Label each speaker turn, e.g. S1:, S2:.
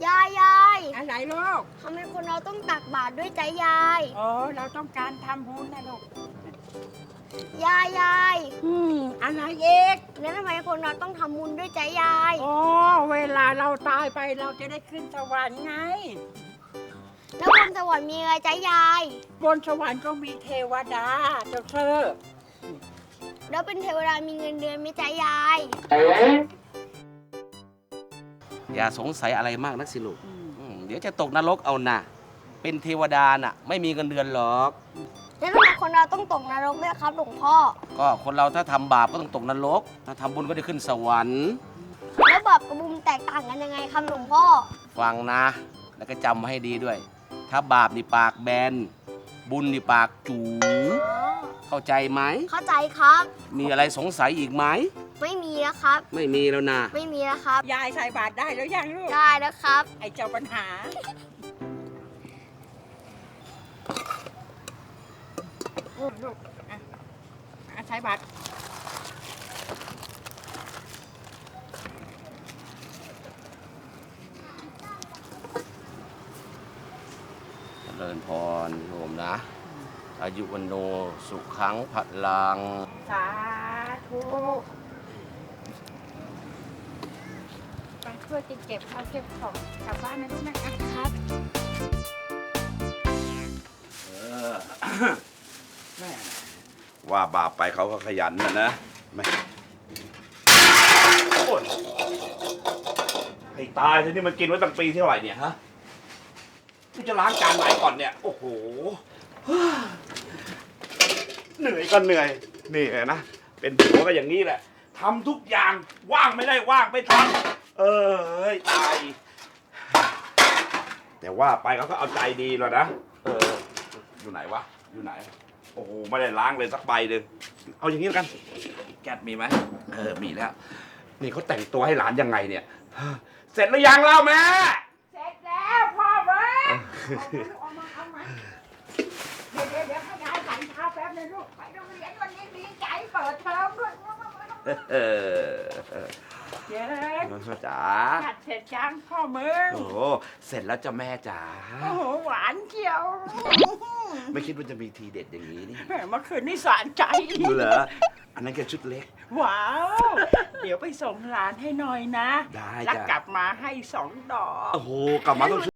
S1: ยาย
S2: อะไรลูก
S1: ทำไมคนเราต้องตักบาตรด้วยใจยาย
S2: โอ้เราต้องการทำบุญนะลูก
S1: ยาย
S2: อะไรเอก
S1: แล้วทำไมคนเราต้องทำบุญด้วยใจยาย
S2: โอ้เวลาเราตายไปเราจะได้ขึ้นสวรรค์ไง
S1: แล้วบนสวรรค์มีอะไรใจยาย
S2: บนสวรรค์ก็มีเทวดาเจ้าเธอ
S1: แล้วเป็นเทวดามีเงินเดือนไหม่ใจยาย
S3: อย่าสงสัยอะไรมากนักสิลูกเดี๋ยวจะตกนรกเอานะเป็นเทวดาน่ะไม่มีเงินเดือนหรอก
S1: แล้วทำไมคนเราต้องตกนรกด้วยครับหลวงพ่อ
S3: ก็คนเราถ้าทำบาปก็ต้องตกนรก ถ้าทำบุญก็ได้ขึ้นสวรรค์
S1: แล้วบาปกับบุญแตกต่างกันยังไงครับหลวงพ่อ
S3: ฟังนะ แล้วก็จำมาให้ดีด้วย ถ้าบาปนี่ปากแบน บุญนี่ปากจู๋เข้าใจไหม
S1: เข้าใจครับ
S3: มีอะไรสงสัยอีกไหม
S1: ไม่มีแล้วครับ
S3: ไม่มีแล้วนะ
S1: ไม่มีแล้วครับ
S2: ยายใส่บาตรได้แล้วยังลูก
S1: ได้แล้วครับ
S2: ไอ้เจ้าปัญหาลูกใส่บาตร
S3: เจริญพรโยมนะ อายุวันโนสุขังพลัง
S2: สาธุไปช่วยเก็บข้าวเก็บของกลับบ้านนะลูกนะครับ
S4: ว่าบาปไปเขาก็ขยันนะไม่โอ้ยให้ตายทีนี้มันกินไว้ตั้งปีเท่าไหร่เนี่ยฮะกูจะล้างจานไหนก่อนเนี่ย โอ้โห เหนื่อยก็เหนื่อย นี่นะ เป็นผัวก็อย่างนี้แหละทำทุกอย่างว่างไม่ได้ว่างไม่ทำเอ้ยตาย แต่ว่าไปเขาก็เอาใจดีแล้วนะ อยู่ไหนวะ อยู่ไหน โอ้โห ไม่ได้ล้างเลยสักใบหนึ่งเอาอย่างนี้แล้วกัน แก๊สมีไหม มีแล้ว นี่เขาแต่งตัวให้หลานยังไงเนี่ย เสร็จหรือยังเล่าแม่
S2: เสร็จแล้วพ่อเว้ยเอามาเดี๋ยวให้ยายใส่เท้าแป๊บนึงลูกไปโรงเรียนวันนี้ดีใจเปิดเทอมด้วยเจ๊
S4: จ๋า
S2: จัดเสร็จจังพ่อมึง
S4: โอ้โหเสร็จแล้วจ้ะแม่จ๋า
S2: โอ้โหหวานเจียว
S4: ไม่คิดว่าจะมีทีเด็ดอย่างนี้นี่
S2: แม่เมื่อคืนนี่สารใจ
S4: ดูเหรอ อันนั้นแค่ชุดเล็ก
S2: ว้าว เดี๋ยวไปส่งหลานให้หน่อยนะ
S4: ได้
S2: แล้ว
S4: จ้ะ
S2: กลับมาให้2 ดอก
S4: โอ้โห กลับมาต้อง